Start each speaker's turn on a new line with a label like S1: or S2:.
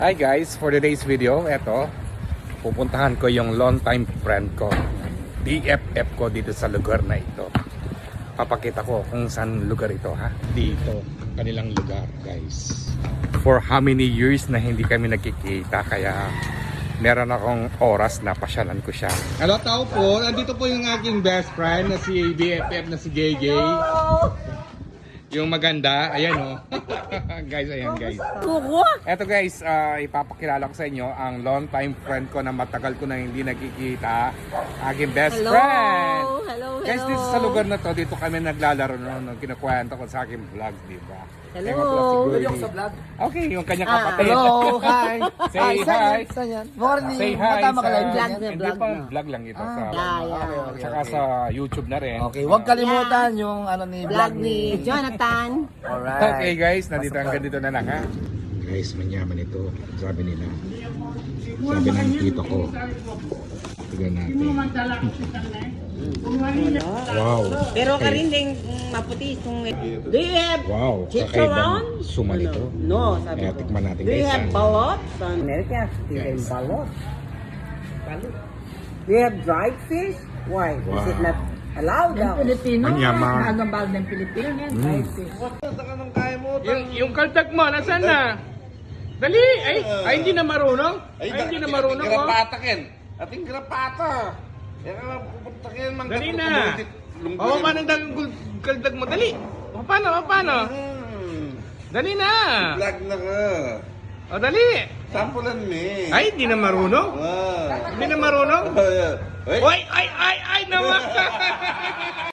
S1: Hi guys, for today's video, eto, pupuntahan ko yung long time friend ko, BFF ko dito sa lugar na ito. Papakita ko kung saan lugar ito ha. Dito, kanilang lugar guys. For how many years na hindi kami nagkikita, kaya meron akong oras na pasyalan ko siya. Hello tao po, nandito po yung aking best friend na si BFF na si JJ. Yung maganda, ayan o. Guys, ayan guys. Eto guys, ipapakilala ko sa inyo ang long time friend ko na matagal ko na hindi nagkikita. Aking best friend.
S2: Hello.
S1: Guys, dito sa lugar na to, dito kami naglalaro nung kinukwento ko sa aking vlog, di ba?
S2: Hello.
S1: Yung sa vlog? Okay, yung kanyang kapatid.
S3: Hello, hi.
S1: Say hi.
S3: Morning.
S1: Say hi
S3: Matama ka
S1: sa...
S3: lang.
S2: Vlog na,
S1: Hindi
S2: vlog
S1: pa,
S2: na.
S1: vlog lang ito. Sa,
S2: Yeah.
S1: Tsaka sa YouTube na rin.
S3: Okay, huwag kalimutan yung ano ni
S2: Vlog ni Jonathan.
S3: Alright.
S1: Okay guys, nandito hanggang dito na lang ha. Guys, manyaman ito. Sabi nila. Sabi ng tito ko. Tignan natin. Wow.
S2: Pero ka rin din maputi itong... Do you have
S1: Wow.
S2: chicharon?
S1: Kakaibang suman ito.
S2: No, sabi
S1: Kaya
S2: ko.
S1: tikman natin
S2: Do you
S1: guys.
S2: have balot? America,
S1: Yes.
S2: balot. Balot. Do you have dried fish? Why? Is it
S1: Wow.
S2: not allowed now?
S4: Pilipino,
S1: Manyaman.
S4: Anong bawal ng Pilipino yan?
S1: Yung kaltag mo, nasaan na? Dali! Ay hindi na marunong? Ay hindi na marunong oh.
S5: Grapatakin. Ating grapata. Yan ang pupuntakin mang
S1: Dali na! Oo, manang kaldag mo? Dali! Paano? Dali na!
S5: Vlog na ka.
S1: O dali!
S5: Sampulan me.
S1: Ay, hindi na marunong?
S5: Ah.
S1: Hindi na marunong?
S5: Ay.
S1: Ay naman!